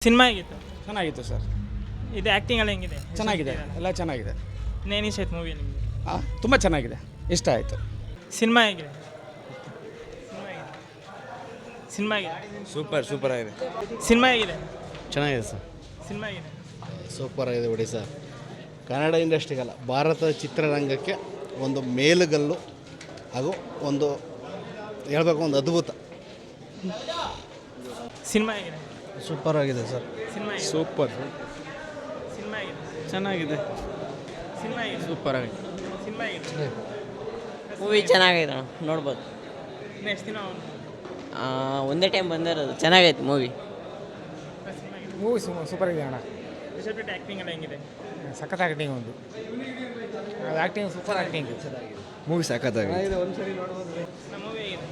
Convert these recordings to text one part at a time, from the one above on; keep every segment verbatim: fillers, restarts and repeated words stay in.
Cinema ಹೇಗಿತ್ತು? ಚೆನ್ನಾಗಿತ್ತು sir. ಇದು ಆ್ಯಕ್ಟಿಂಗ್ ಎಲ್ಲ ಹೆಂಗಿದೆ? ಚೆನ್ನಾಗಿದೆ, ಎಲ್ಲ ಚೆನ್ನಾಗಿದೆ. ಇನ್ನೇನು ಇಷ್ಟ ಆಯ್ತು ಮೂವಿ ನಿಮಗೆ? ಹಾಂ, ತುಂಬ ಚೆನ್ನಾಗಿದೆ, ಇಷ್ಟ ಆಯಿತು. ಸಿನಿಮಾ ಹೇಗಿದೆ? ಸಿನಿಮಾ ಹೇಗಿದೆ? ಸೂಪರ್ ಸೂಪರ್ ಆಗಿದೆ. ಸಿನಿಮಾ ಹೇಗಿದೆ? ಚೆನ್ನಾಗಿದೆ ಸರ್. ಸಿನಿಮಾ ಹೇಗಿದೆ? ಸೂಪರ್ ಆಗಿದೆ ಬಿಡಿ ಸರ್. ಕನ್ನಡ ಇಂಡಸ್ಟ್ರಿಗಲ್ಲ, ಭಾರತ ಚಿತ್ರರಂಗಕ್ಕೆ ಒಂದು ಮೇಲುಗಲ್ಲು ಹಾಗೂ ಒಂದು ಹೇಳ್ಬೇಕು ಒಂದು ಅದ್ಭುತ. ಸಿನಿಮಾ ಹೇಗಿದೆ? ಸೂಪರ್ ಆಗಿದೆ ಸರ್. ಸಿನಿಮಾ ಹೇಗಿದೆ? ಸೂಪರ್. ಸಿನಿಮಾ ಹೇಗಿದೆ? ಚೆನ್ನಾಗಿದೆ. ಸಿನಿಮಾ ಹೇಗಿದೆ? ಸೂಪರ್ ಆಗಿದೆ. ಸಿನಿಮಾ ಹೇಗಿದೆ? ಮೂವಿ ಚೆನ್ನಾಗಿದೆ, ನೋಡ್ಬೋದು. ನೆಕ್ಸ್ಟ್ ದಿನ ಅವ್ನು ಆ, ಒಂದೇ ಟೈಮ್ ಬಂದಿರೋದು, ಚೆನ್ನಾಗೈತೆ ಮೂವಿ. ಸಿನಿಮಾ ಹೇಗಿದೆ? ಮೂವಿ ಸೂಪರ್ ಇದೆ ಅಣ್ಣ. ರಿಷಬ್ ಶೆಟ್ಟಿ ಆ್ಯಕ್ಟಿಂಗ್ ಎಲ್ಲ ಹೆಂಗಿದೆ? ಸಖತ್ ಆ್ಯಕ್ಟಿಂಗ್ ಒಂದು. ಅದು ಆ್ಯಕ್ಟಿಂಗ್ ಸೂಪರ್ ಆ್ಯಕ್ಟಿಂಗ್. ಮೂವಿ ಸಖತ್ತಾಗಿದೆ. ನಮ್ಮ ಮೂವಿ ಹೇಗಿದೆ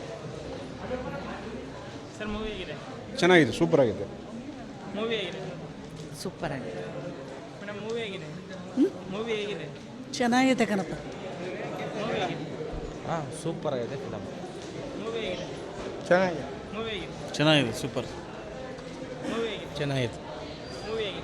ಸರ್? ಮೂವಿ ಹೇಗಿದೆ? ಚೆನ್ನಾಗಿದೆ, ಸೂಪರ್ ಆಗಿದೆ. ಮೂವಿ ಹೇಗಿದೆ? ಸೂಪರ್ ಆಗಿದೆ ಮೇಡಮ್ ಮೂವಿ ಹೇಗಿದೆ? ಮೂವಿ ಹೇಗಿದೆ? ಚೆನ್ನಾಗಿದೆ ಕಣಪ್ಪ. ಮೂವಿ ಹೇಗಿದೆ? ಹಾಂ, ಸೂಪರ್ ಆಗಿದೆ ಫಿಲಮ್. ಮೂವಿ ಹೇಗಿದೆ? ಚೆನ್ನಾಗಿದೆ. ಮೂವಿ ಹೇಗಿದೆ? ಚೆನ್ನಾಗಿದೆ, ಸೂಪರ್. ಮೂವಿ ಹೇಗಿದೆ? ಚೆನ್ನಾಗಿದೆ. ಮೂವಿ ಹೇಗಿದೆ?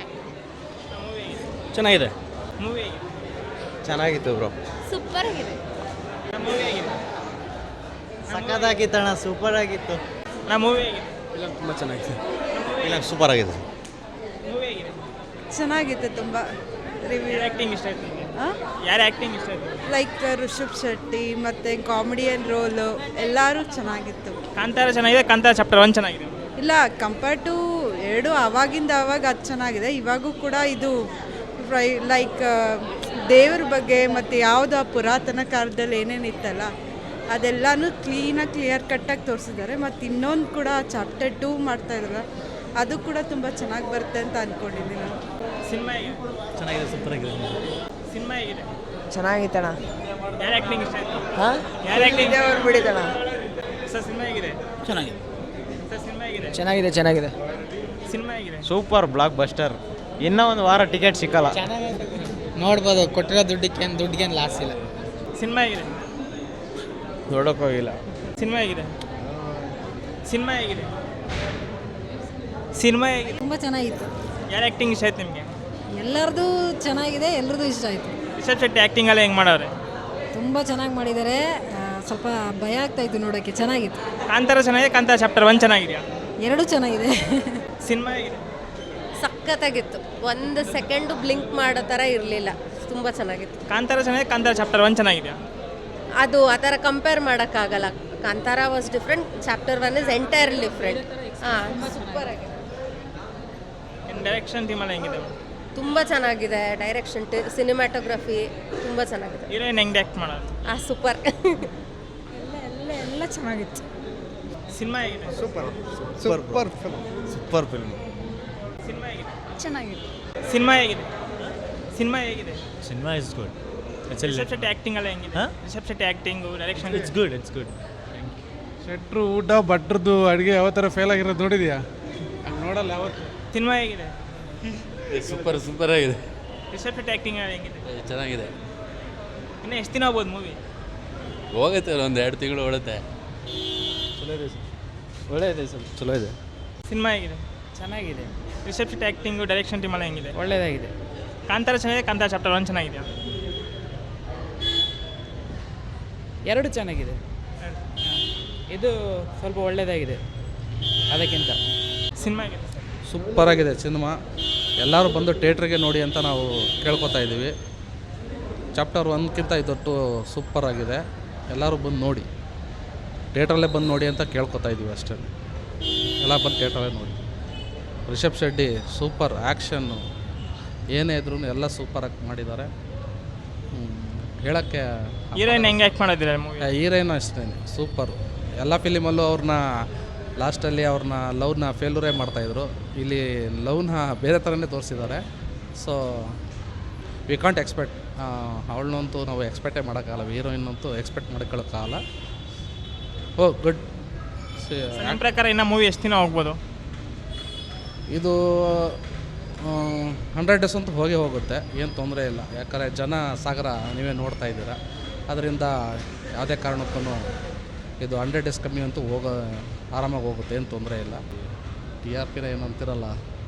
ಮೂವಿ ಹೇಗಿದೆ? ಚೆನ್ನಾಗಿದೆ. ಮೂವಿ ಹೇಗಿದೆ? ಚೆನ್ನಾಗಿತ್ತು ಬ್ರೋ. ಸೂಪರ್ ಆಗಿದೆ. ಮೂವಿ ಹೇಗಿದೆ? ಸಖತ್ತಾಗಿತ್ತಣ್ಣ, ಸೂಪರ್ ಆಗಿತ್ತು. ನಾ ಮೂವಿ ಹೇಗಿದೆ? ಫಿಲಮ್ ತುಂಬ ಚೆನ್ನಾಗಿದೆ. ಫಿಲಮ್ ಸೂಪರ್ ಆಗಿದೆ. ಮೂವಿ ಹೇಗಿದೆ? ಚೆನ್ನಾಗಿತ್ತು ತುಂಬ. ರಿವ್ಯೂ ಯಾರು ಆ್ಯಕ್ಟಿಂಗ್ ಇಷ್ಟ ಆಯ್ತು ನಿಮಗೆ? ಯಾರು ಆ್ಯಕ್ಟಿಂಗ್ ಇಷ್ಟ ಆಯ್ತು? ಲೈಕ್ ರಿಷಬ್ ಶೆಟ್ಟಿ ಮತ್ತು ಕಾಮಿಡಿಯನ್ ರೋಲು ಎಲ್ಲರೂ ಚೆನ್ನಾಗಿತ್ತು. ಕಾಂತಾರ ಚೆನ್ನಾಗಿದೆ, ಕಾಂತಾರ ಚಾಪ್ಟರ್ ಒನ್ ಚೆನ್ನಾಗಿದೆ. ಇಲ್ಲ, ಕಂಪೇರ್ ಟು ಎರಡು ಆವಾಗಿಂದ ಆವಾಗ ಅದು ಚೆನ್ನಾಗಿದೆ. ಇವಾಗೂ ಕೂಡ ಇದು ಫ್ರೈ ಲೈಕ್ ದೇವ್ರ ಬಗ್ಗೆ ಮತ್ತು ಯಾವುದು ಆ ಪುರಾತನ ಕಾಲದಲ್ಲಿ ಏನೇನು ಇತ್ತಲ್ಲ ಅದೆಲ್ಲನೂ ಕ್ಲೀನಾಗಿ ಕ್ಲಿಯರ್ ಕಟ್ಟಾಗಿ ತೋರಿಸಿದ್ದಾರೆ. ಮತ್ತು ಇನ್ನೊಂದು ಕೂಡ ಚಾಪ್ಟರ್ ಟೂ ಮಾಡ್ತಾಯಿದ್ರಲ್ಲ, ಅದು ಕೂಡ ತುಂಬ ಚೆನ್ನಾಗಿ ಬರುತ್ತೆ ಅಂತ ಅಂದ್ಕೊಂಡಿದ್ದೀನಿ ನಾನು. ಸಿನಿಮಾ ಹೇಗಿದೆ? ಚೆನ್ನಾಗಿದೆ, ಸೂಪರ್ ಆಗಿದೆ. ಸಿನಿಮಾ ಹೇಗಿದೆ? ಚೆನ್ನಾಗಿತ್ತಣ್ಣ. ಯಾರು ಆ್ಯಕ್ಟಿಂಗ್ ಇಷ್ಟ ಆಯ್ತು? ಹಾಂ, ಯಾರು ಆ್ಯಕ್ಟಿಂಗ್? ಬಿಡಿದಣ್ಣ. ಸರ್ ಸಿನಿಮಾ ಹೇಗಿದೆ? ಚೆನ್ನಾಗಿದೆ. ಸರ್ ಸಿನಿಮಾ ಹೇಗಿದೆ? ಚೆನ್ನಾಗಿದೆ, ಚೆನ್ನಾಗಿದೆ. ಸಿನಿಮಾ ಹೇಗಿದೆ? Super blockbuster. ಇನ್ನೂ ಒಂದು ವಾರ ಟಿಕೆಟ್ ಸಿಕ್ಕಲ್ಲ. ನೋಡ್ಬೋದು, ಕೊಟ್ಟಿರೋ ದುಡ್ಡಿಗೆ ದುಡ್ಡಿಗೇನು ಲಾಸ್ ಇಲ್ಲ. ಸಿನಿಮಾ ಹೇಗಿದೆ? ನೋಡೋಕ್ಕೋಗಿಲ್ಲ. ಸಿನಿಮಾ ಹೇಗಿದೆ? ಸಿನಿಮಾ ಹೇಗಿದೆ? ಸಿನಿಮಾ ಹೇಗಿದೆ? ತುಂಬ ಚೆನ್ನಾಗಿತ್ತು. ಯಾರು ಆ್ಯಕ್ಟಿಂಗ್ ಇಷ್ಟ ಆಯ್ತು ನಿಮಗೆ? ಎಲ್ಲರದು ಚೆನ್ನಾಗಿದೆ, ಎಲ್ಲರದು ಇಷ್ಟ ಆಯಿತು. ರಿಷಬ್ ಶೆಟ್ಟಿ ಆ್ಯಕ್ಟಿಂಗ್ ಎಲ್ಲ ಹೆಂಗೆ ಮಾಡವ್ರೆ? ತುಂಬ ಚೆನ್ನಾಗಿ ಮಾಡಿದ್ದಾರೆ. ಆ, ಸ್ವಲ್ಪ ಭಯ ಆಗ್ತಾಯಿತ್ತು ನೋಡೋಕ್ಕೆ. ಚೆನ್ನಾಗಿತ್ತು. ಕಾಂತಾರ ಚೆನ್ನಾಗಿದೆ, ಕಾಂತಾರ ಚಾಪ್ಟರ್ ಒನ್ ಚೆನ್ನಾಗಿದೆಯಾ? ಎರಡೂ ಚೆನ್ನಾಗಿದೆ. ಸಿನಿಮಾ ಹೇಗಿದೆ? ಸಖತ್ತಾಗಿತ್ತು. ಒಂದು ಸೆಕೆಂಡು ಬ್ಲಿಂಕ್ ಮಾಡೋ ಥರ ಇರಲಿಲ್ಲ. ತುಂಬ ಚೆನ್ನಾಗಿತ್ತು. ಕಾಂತಾರ ಚೆನ್ನಾಗಿದೆ, ಕಾಂತಾರ ಚಾಪ್ಟರ್ ಒನ್ ಚೆನ್ನಾಗಿದೆಯಾ? ಅದು ಆ ಥರ ಕಂಪೇರ್ ಮಾಡೋಕ್ಕಾಗಲ್ಲ. Kantara was different, chapter one is entirely different. ಹಾಂ, ಸೂಪರ್ ಆಗಿದೆ. ಇನ್ನು ಡೈರೆಕ್ಷನ್ ಟೀಮೆಲ್ಲ ಹೆಂಗಿದೆ? ತುಂಬ ಚೆನ್ನಾಗಿದೆ. ಡೈರೆಕ್ಷನ್, ಸಿನಿಮ್ಯಾಟೋಗ್ರಫಿ ತುಂಬ ಚೆನ್ನಾಗಿದೆ. ಹೀರೋಯಿನ್ ಹೆಂಗೆ ಆ್ಯಕ್ಟ್ ಮಾಡೋದು? ಆ ಸೂಪರ್. ಎಲ್ಲ ಎಲ್ಲ ಎಲ್ಲ ಚೆನ್ನಾಗಿತ್ತು. ಸಿನಿಮಾ ಹೇಗಿದೆ? Super super film. Super film. Cinema ಹೇಗಿದೆ? ಚೆನ್ನಾಗಿತ್ತು. ಸಿನಿಮಾ ಹೇಗಿದೆ? ಸಿನಿಮಾ ಹೇಗಿದೆ? Cinema is good. Rishab Shetty acting ಎಲ್ಲ ಹೆಂಗಿದೆ? ಹಾ? Rishab Shetty acting, direction it's good, it's good. ಶೆಟ್ರು ಊಟ ಭಟ್ರದ್ದು ಅಡುಗೆ ಯಾವ ಥರ ಫೇಲ್ ಆಗಿರೋದು ನೋಡಿದ್ಯಾ? ಹಂಗೆ ನೋಡಲ್ಲ ಯಾವತ್ತು. ಸಿನಿಮಾ ಹೇಗಿದೆ? ಸೂಪರ್ ಸೂಪರ್ ಆಗಿದೆ. ರಿಷಬ್ ಶೆಟ್ಟಿ ಆ್ಯಕ್ಟಿಂಗ್ ಎಲ್ಲ ಹೆಂಗಿದೆ? ಚೆನ್ನಾಗಿದೆ. ಇನ್ನು ಎಷ್ಟು ದಿನ ಆಗ್ಬೋದು ಮೂವಿ? ಹೋಗುತ್ತೆ, ಒಂದು ಎರಡು ತಿಂಗಳು ಓಡುತ್ತೆ. ಚಲೋ ಇದೆ ಸರ್. ಒಳ್ಳೆ ಇದೆ ಸರ್, ಚಲೋ ಇದೆ. ಸಿನಿಮಾ ಹೇಗಿದೆ? ಚೆನ್ನಾಗಿದೆ, Rishab Shetty acting, direction team ಎಲ್ಲ ಹೆಂಗಿದೆ? ಒಳ್ಳೆಯದಾಗಿದೆ. ಕಾಂತಾರ ಚೆನ್ನಾಗಿದೆ, ಕಾಂತಾರ ಚಾಪ್ಟರ್ ಒನ್ ಚೆನ್ನಾಗಿದೆಯಾ? ಎರಡು ಚೆನ್ನಾಗಿದೆ. ಇದು ಸ್ವಲ್ಪ ಒಳ್ಳೆಯದಾಗಿದೆ ಅದಕ್ಕಿಂತ. ಸಿನಿಮಾ ಹೇಗಿದೆ? ಸೂಪರ್ ಆಗಿದೆ ಸಿನಿಮಾ. ಎಲ್ಲರೂ ಬಂದು ಥಿಯೇಟ್ರಿಗೆ ನೋಡಿ ಅಂತ ನಾವು ಕೇಳ್ಕೊತಾ ಇದ್ದೀವಿ. ಚಾಪ್ಟರ್ ಒನ್ಗಿಂತ ಇದೊಟ್ಟು ಸೂಪರ್ ಆಗಿದೆ. ಎಲ್ಲರೂ ಬಂದು ನೋಡಿ, ಥಿಯೇಟ್ರಲ್ಲೇ ಬಂದು ನೋಡಿ ಅಂತ ಕೇಳ್ಕೊತಾ ಇದ್ದೀವಿ ಅಷ್ಟೇ. ಎಲ್ಲ ಬಂದು ಥಿಯೇಟ್ರಲ್ಲೇ ನೋಡಿ. ರಿಷಬ್ ಶೆಟ್ಟಿ ಸೂಪರ್, ಆ್ಯಕ್ಷನ್ನು ಏನೇ ಇದ್ರೂ ಎಲ್ಲ ಸೂಪರಾಗಿ ಮಾಡಿದ್ದಾರೆ. ಹೇಳೋಕ್ಕೆ ಹೀರೋಯಿನ್ ಹೆಂಗೆ ಆ್ಯಕ್ಟ್ ಮಾಡೋದಿಲ್ಲ ಮೂವಿ? ಹೀರೋಯಿನ್ ಅಷ್ಟೇ ಸೂಪರು. ಎಲ್ಲ ಫಿಲಿಮಲ್ಲೂ ಅವ್ರನ್ನ ಲಾಸ್ಟಲ್ಲಿ ಅವ್ರನ್ನ ಲವ್ನ ಫೇಲ್ಯೂರೇ ಮಾಡ್ತಾಯಿದ್ರು. ಇಲ್ಲಿ ಲವ್ನ ಬೇರೆ ಥರನೇ ತೋರಿಸಿದ್ದಾರೆ. ಸೊ ವಿ ಕಾಂಟ್ ಎಕ್ಸ್ಪೆಕ್ಟ್, ಅವಳನ್ನಂತೂ ನಾವು ಎಕ್ಸ್ಪೆಕ್ಟೇ ಮಾಡೋಕ್ಕಾಗಲ್ಲ. ಹೀರೋಯಿನ್ ಅಂತೂ ಎಕ್ಸ್ಪೆಕ್ಟ್ ಮಾಡ್ಕೊಳ್ಳೋಕ್ಕಾಗಲ್ಲ. ಓ ಗುಡ್. ನನ್ನ ಪ್ರಕಾರ ಇನ್ನು ಮೂವಿ ಎಷ್ಟು ದಿನ ಹೋಗ್ಬೋದು? ಇದು ಹಂಡ್ರೆಡ್ ಡೇಸ್ ಅಂತೂ ಹೋಗೇ ಹೋಗುತ್ತೆ, ಏನು ತೊಂದರೆ ಇಲ್ಲ. ಯಾಕಂದರೆ ಜನ ಸಾಗರ ನೀವೇ ನೋಡ್ತಾ ಇದ್ದೀರಾ. ಅದರಿಂದ ಯಾವುದೇ ಕಾರಣಕ್ಕೂ ಇದು ಹಂಡ್ರೆಡ್ ಡೇಸ್ ಕಮ್ಮಿ ಅಂತೂ ಹೋಗೋ ಆರಾಮಾಗಿ ಹೋಗುತ್ತೆ, ಏನು ತೊಂದರೆ ಇಲ್ಲ. ಟಿ ಆರ್ ಪಿನ ಏನು ಅಂತಿರಲ್ಲ,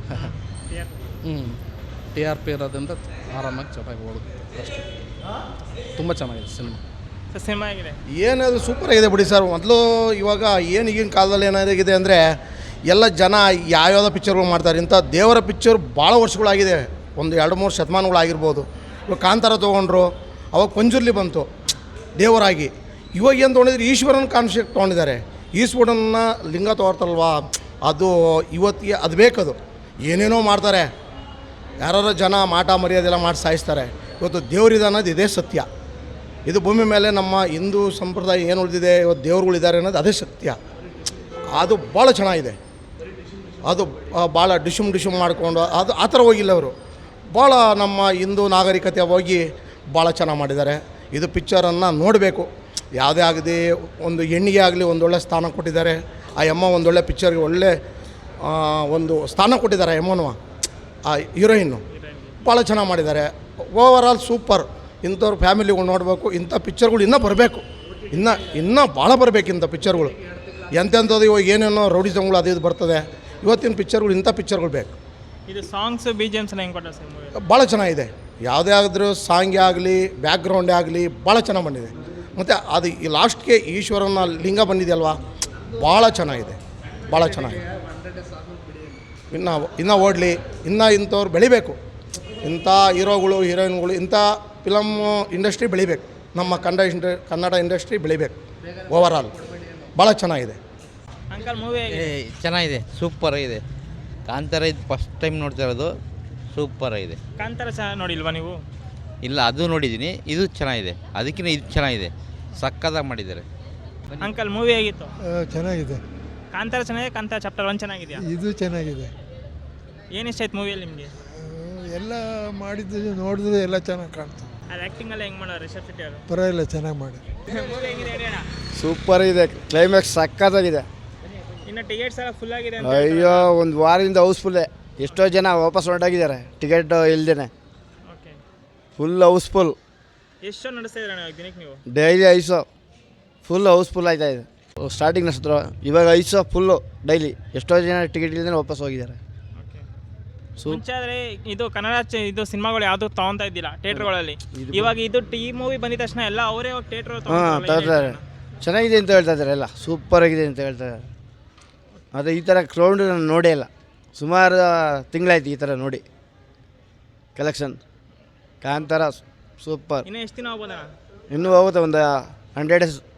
ಹ್ಞೂ ಟಿ ಆರ್ ಪಿ ಇರೋದ್ರಿಂದ ಆರಾಮಾಗಿ ಚೆನ್ನಾಗಿ ಓಡುತ್ತೆ ಅಷ್ಟೇ ತುಂಬ ಚೆನ್ನಾಗಿದೆ ಸಿನಿಮಾ. ಸರ್ ಸಿನಿಮಾ ಆಗಿದೆ. ಏನದು ಸೂಪರ್ ಆಗಿದೆ ಬಿಡಿ ಸರ್. ಮೊದಲು ಇವಾಗ ಏನು ಈಗಿನ ಕಾಲದಲ್ಲಿ ಏನಾಗಿದೆ ಅಂದರೆ ಎಲ್ಲ ಜನ ಯಾವ್ಯಾವುದೋ ಪಿಕ್ಚರ್ಗಳು ಮಾಡ್ತಾರೆ. ಇಂಥ ದೇವರ ಪಿಕ್ಚರ್ ಭಾಳ ವರ್ಷಗಳಾಗಿದೆ, ಒಂದು ಎರಡು ಮೂರು ಶತಮಾನಗಳಾಗಿರ್ಬೋದು. ಇವಾಗ ಕಾಂತಾರ ತೊಗೊಂಡ್ರು, ಅವಾಗ ಪಂಜುರ್ಲಿ ಬಂತು ದೇವರಾಗಿ. ಇವಾಗ ಏನು ತೊಗೊಂಡಿದ್ರೆ ಈಶ್ವರನ ಕಾನ್ಸೆಪ್ಟ್ ತೊಗೊಂಡಿದ್ದಾರೆ. ಈಶ್ವರನ ಲಿಂಗ ತೋರ್ತಾರಲ್ವಾ, ಅದು ಇವತ್ತಿಗೆ ಅದು ಬೇಕದು. ಏನೇನೋ ಮಾಡ್ತಾರೆ, ಯಾರು ಜನ ಮಾಟ ಮರ್ಯಾದೆಲ್ಲ ಮಾಡಿ ಸಾಯಿಸ್ತಾರೆ. ಇವತ್ತು ದೇವರಿದೆ ಅನ್ನೋದು ಇದೇ ಸತ್ಯ. ಇದು ಭೂಮಿ ಮೇಲೆ ನಮ್ಮ ಹಿಂದೂ ಸಂಪ್ರದಾಯ ಏನು ಉಳಿದಿದೆ, ಇವತ್ತು ದೇವ್ರುಗಳಿದ್ದಾರೆ ಅನ್ನೋದು ಅದೇ ಸತ್ಯ. ಅದು ಭಾಳ ಚೆನ್ನಾಗಿದೆ. ಅದು ಭಾಳ ಡಿಶುಮ್ ಡಿಶುಮ್ ಮಾಡಿಕೊಂಡು ಅದು ಆ ಥರ ಹೋಗಿಲ್ಲ ಅವರು. ಭಾಳ ನಮ್ಮ ಹಿಂದೂ ನಾಗರಿಕತೆ ಹೋಗಿ ಭಾಳ ಚೆನ್ನಾಗಿ ಮಾಡಿದ್ದಾರೆ. ಇದು ಪಿಕ್ಚರನ್ನು ನೋಡಬೇಕು. ಯಾವುದೇ ಆಗದೆ ಒಂದು ಹೆಣ್ಣಿಗೆ ಆಗಲಿ ಒಂದೊಳ್ಳೆ ಸ್ಥಾನ ಕೊಟ್ಟಿದ್ದಾರೆ. ಆ ಅಮ್ಮ ಒಂದೊಳ್ಳೆ ಪಿಕ್ಚರ್ಗೆ ಒಳ್ಳೆ ಒಂದು ಸ್ಥಾನ ಕೊಟ್ಟಿದ್ದಾರೆ. ಅಮ್ಮನವ ಆ ಹೀರೋಯಿನ್ನು ಭಾಳ ಚೆನ್ನಾಗಿ ಮಾಡಿದ್ದಾರೆ. Overall super. ಇಂಥವ್ರು ಫ್ಯಾಮಿಲಿಗಳು ನೋಡಬೇಕು. ಇಂಥ ಪಿಕ್ಚರ್ಗಳು ಇನ್ನೂ ಬರಬೇಕು, ಇನ್ನೂ ಇನ್ನೂ ಭಾಳ ಬರಬೇಕು ಇಂಥ ಪಿಕ್ಚರ್ಗಳು. ಎಂತೆಂಥದ್ದು ಇವಾಗ ಏನೇನೋ ರೌಡಿಸಮ್ಗಳು ಅದು ಇದು ಬರ್ತದೆ. ಇವತ್ತಿನ ಪಿಕ್ಚರ್ಗಳು ಇಂಥ ಪಿಕ್ಚರ್ಗಳು ಬೇಕು. ಇದು ಸಾಂಗ್ಸ್ ಬಿ ಜಿ ಎಮ್ಸ್ ಹೆಂಗೆ ಕೊಟ್ಟ ಸರ್ ಮೂವಿ? ಭಾಳ ಚೆನ್ನಾಗಿದೆ. ಯಾವುದೇ ಆದರೂ ಸಾಂಗೇ ಆಗಲಿ ಬ್ಯಾಕ್ಗ್ರೌಂಡೇ ಆಗಲಿ ಭಾಳ ಚೆನ್ನಾಗಿ ಬಂದಿದೆ. ಮತ್ತು ಅದು ಈ ಲಾಸ್ಟ್ಗೆ ಈಶ್ವರನ ಲಿಂಗ ಬಂದಿದೆಯಲ್ವಾ, ಭಾಳ ಚೆನ್ನಾಗಿದೆ, ಭಾಳ ಚೆನ್ನಾಗಿದೆ. ಇನ್ನು ಇನ್ನೂ ಓಡಲಿ, ಇನ್ನೂ ಇಂಥವ್ರು ಬೆಳಿಬೇಕು. ಇಂಥ ಹೀರೋಗಳು ಹೀರೋಯಿನ್ಗಳು ಇಂಥ ಫಿಲಮ್ ಇಂಡಸ್ಟ್ರಿ ಬೆಳಿಬೇಕು. ನಮ್ಮ ಕನ್ನಡ ಇಂಡ ಕನ್ನಡ ಇಂಡಸ್ಟ್ರಿ ಬೆಳಿಬೇಕು. ಓವರ್ ಆಲ್ ಭಾಳ ಚೆನ್ನಾಗಿದೆ. ಅಂಕಲ್ ಮೂವಿ ಚೆನ್ನಾಗಿದೆ, ಸೂಪರ್ ಆಗಿದೆ. ಕಾಂತಾರ ಇದು ಫಸ್ಟ್ ಟೈಮ್ ನೋಡ್ತಾ ಇರೋದು, ಸೂಪರ್ ಆಗಿದೆ. ಕಾಂತಾರ ಚೆನ್ನಾಗಿ ನೋಡಿಲ್ವಾ ನೀವು? ಇಲ್ಲ, ಅದು ನೋಡಿದ್ದೀನಿ, ಇದು ಚೆನ್ನಾಗಿದೆ. ಅದಕ್ಕಿಂತ ಇದು ಚೆನ್ನಾಗಿದೆ, ಸಕ್ಕತ್ತಾಗಿ ಮಾಡಿದ್ದಾರೆ. ಅಂಕಲ್ ಮೂವಿ ಹೇಗಿತ್ತು? ಚೆನ್ನಾಗಿದೆ. ಕಾಂತಾರ ಚೆನ್ನಾಗಿದೆ, ಕಾಂತಾರ ಚಾಪ್ಟರ್ ಒನ್ ಚೆನ್ನಾಗಿದೆಯಾ? ಇದು ಚೆನ್ನಾಗಿದೆ. ಏನು ಇಷ್ಟ ಆಯ್ತು ಮೂವಿಯಲ್ಲಿ ನಿಮಗೆ? ಎಲ್ಲ ಮಾಡಿದ್ದು ನೋಡಿದ್ರೆ ಎಲ್ಲ ಚೆನ್ನಾಗಿ ಕಾಣ್ತದೆ. ಅದು ಆ್ಯಕ್ಟಿಂಗ್ ಎಲ್ಲ ಹೆಂಗೆ ಮಾಡೋರು ರಿಷಬ್ ಶೆಟ್ಟಿ ಅವರು? ಪರವಾಗಿಲ್ಲ, ಚೆನ್ನಾಗಿ ಮಾಡಿ. ಮೂವಿ ಹೇಗಿದೆ ಹೇಳಿ ಅಣ್ಣ. ಸೂಪರ್ ಇದೆ, ಕ್ಲೈಮ್ಯಾಕ್ಸ್ ಸಕ್ಕತ್ತಾಗಿದೆ. ಇನ್ನು ಟಿಕೆಟ್ಸ್ ಎಲ್ಲ ಫುಲ್ ಆಗಿದೆ ಅಂತ ಅಯ್ಯೋ, ಒಂದು ವಾರದಿಂದ ಹೌಸ್ಫುಲ್ಲೇ. ಎಷ್ಟೋ ಜನ ವಾಪಸ್ ಹೊರಟಾಗಿದ್ದಾರೆ ಟಿಕೆಟ್ ಇಲ್ದೇನೆ. Okay, full house full. ಎಷ್ಟು ಶೋ ನಡೆಸ್ತಾ ಇದ್ದೀರಾ ನೀವು ದಿನಕ್ಕೆ ನೀವು? ಡೈಲಿ ಐದು ಶೋ ಫುಲ್ ಹೌಸ್ಫುಲ್ ಆಯ್ತಾ ಇದೆ. ಸ್ಟಾರ್ಟಿಂಗ್ ನಡೆಸಿದ್ರು, ಇವಾಗ ಐದು ಶೋ ಫುಲ್ಲು ಡೈಲಿ. ಎಷ್ಟೋ ಜನ ಟಿಕೆಟ್ ಇಲ್ದೇ ವಾಪಸ್ ಹೋಗಿದ್ದಾರೆ. ಓಕೆ, ಮುಂಚೆ ಆದರೆ ಇದು ಕನ್ನಡ ಚ- ಇದು ಸಿನಿಮಾಗಳು ಯಾವುದು ತಗೊಂತಾ ಇದ್ದಿಲ್ಲ ಥಿಯೇಟ್ರ್ಗಳಲ್ಲಿ. ಇವಾಗ ಇದು ಈ ಮೂವಿ ಬಂದಿದ ತಕ್ಷಣ ಎಲ್ಲ ಅವರೇ ಹೋಗಿ ಥಿಯೇಟ್ರ್ ಹಾಂ ತರ್ತಾರೆ. ಚೆನ್ನಾಗಿದೆ ಅಂತ ಹೇಳ್ತಾ ಇದ್ದಾರೆ, ಎಲ್ಲ ಸೂಪರ್ ಆಗಿದೆ ಅಂತ ಹೇಳ್ತಾ ಇದ್ದಾರೆ. ಆದರೆ ಈ ಥರ ಕ್ರೌಡ್ ನಾನು ನೋಡೇ ಇಲ್ಲ, ಸುಮಾರು ತಿಂಗಳಾಯ್ತು ಈ ಥರ ನೋಡಿ. Collection Kantara super. ಇನ್ನು ಎಷ್ಟು ದಿನ ಹೋಗ್ಬೋದಣ್ಣ? ಇನ್ನೂ ಹೋಗುತ್ತೆ, ಒಂದು ಹಂಡ್ರೆಡ್ ಡೇಸ್